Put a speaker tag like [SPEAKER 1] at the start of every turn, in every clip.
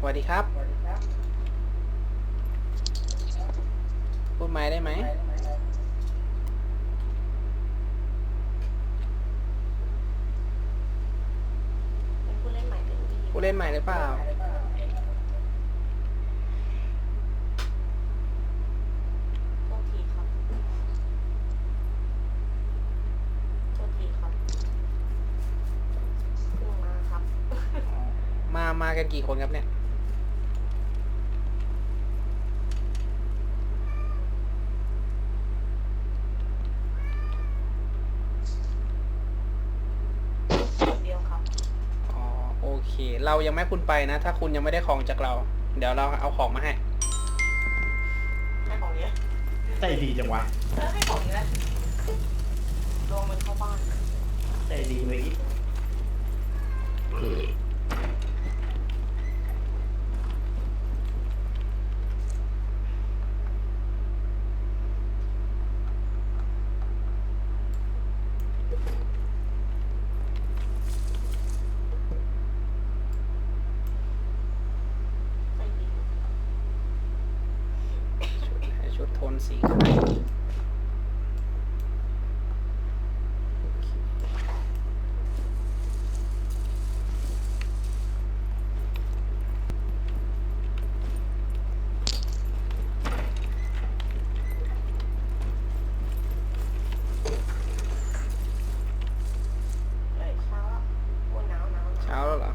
[SPEAKER 1] วัสดีครับพูดไม้ได้ไหม
[SPEAKER 2] เป็นผู้เล่นใหม่เป็นดี
[SPEAKER 1] ผู้เล่นใหม่หรือเปล่า
[SPEAKER 2] โทษทีครับโทษทีครับเพิ่งมาครับ
[SPEAKER 1] มากันกี่คนครับเนี่ย
[SPEAKER 2] คนเดียวครับ
[SPEAKER 1] อ๋อโอเคเรายังไม่ให้คุณไปนะถ้าคุณยังไม่ได้ของจากเราเดี๋ยวเราเอาของมาให้
[SPEAKER 2] ให้ของเนี้ย
[SPEAKER 3] ใจดีจังวะ
[SPEAKER 2] ให้ของเนี้ยลงมันเข้าบ้าน
[SPEAKER 3] ใจดีไปอีก
[SPEAKER 2] ใจดี
[SPEAKER 1] ชุดโทนสีขาว
[SPEAKER 2] เฮ้ยเช้าแล้วโอ้หนาวหนาวหนาว
[SPEAKER 1] เช้าแล้วเหรอ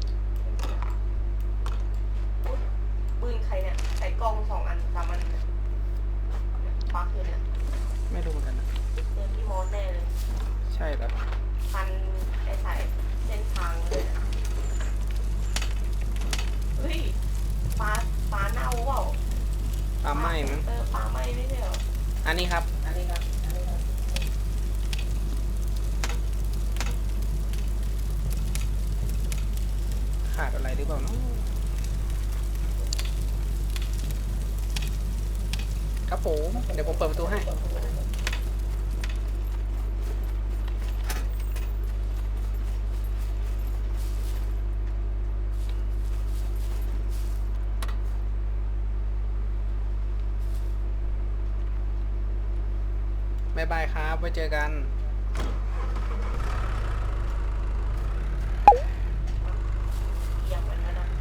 [SPEAKER 2] อุ๊ยปืนใครเนี่ยใส่กล้อง2 อัน3 อันเนี่ยปักอยู่เนี่ย
[SPEAKER 1] ไม่รู้เหมือนกันนะ
[SPEAKER 2] เดินที่มอสแน่เลย
[SPEAKER 1] ใช่เหรอ
[SPEAKER 2] พันไอ้สายเส้นทางเลยนะเฮ้ยปลาเน่าเปล่า
[SPEAKER 1] ปลาไหม้มั้ง
[SPEAKER 2] ปลาไหม้ไม่ใช่เหรอ
[SPEAKER 1] อันนี้ครับขาดอะไรหรือเปล่าเนาะครับผมเดี๋ยวผมเปิดประตูให้บ๊ายบายครับไว้เจอกัน
[SPEAKER 2] เอียงเหมือนกันนะ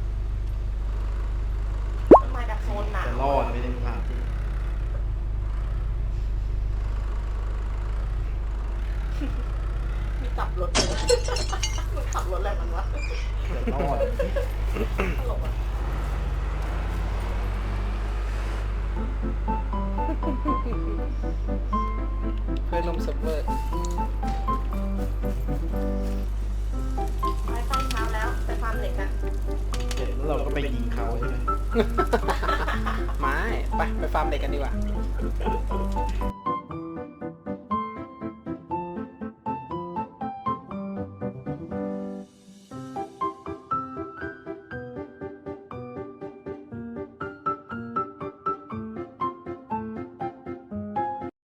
[SPEAKER 2] มันมาจากโซนหนาว
[SPEAKER 3] จะรอดไม่ได้ผ่านที่
[SPEAKER 2] มีขับรถเลยมันขับรถอะไรมันวะ
[SPEAKER 3] จะรอด
[SPEAKER 2] ตลกอ่ะ
[SPEAKER 1] เพื่อนลมเซิร์ฟเวอร์
[SPEAKER 2] ไปใต้เช้าแล้วไปฟาร์มเหล็กกัน
[SPEAKER 3] เสร็จแล้วเราก็ไปยิงเขาใช่ไหม
[SPEAKER 1] ไม้ไปฟาร์มเด็กกันดีกว่า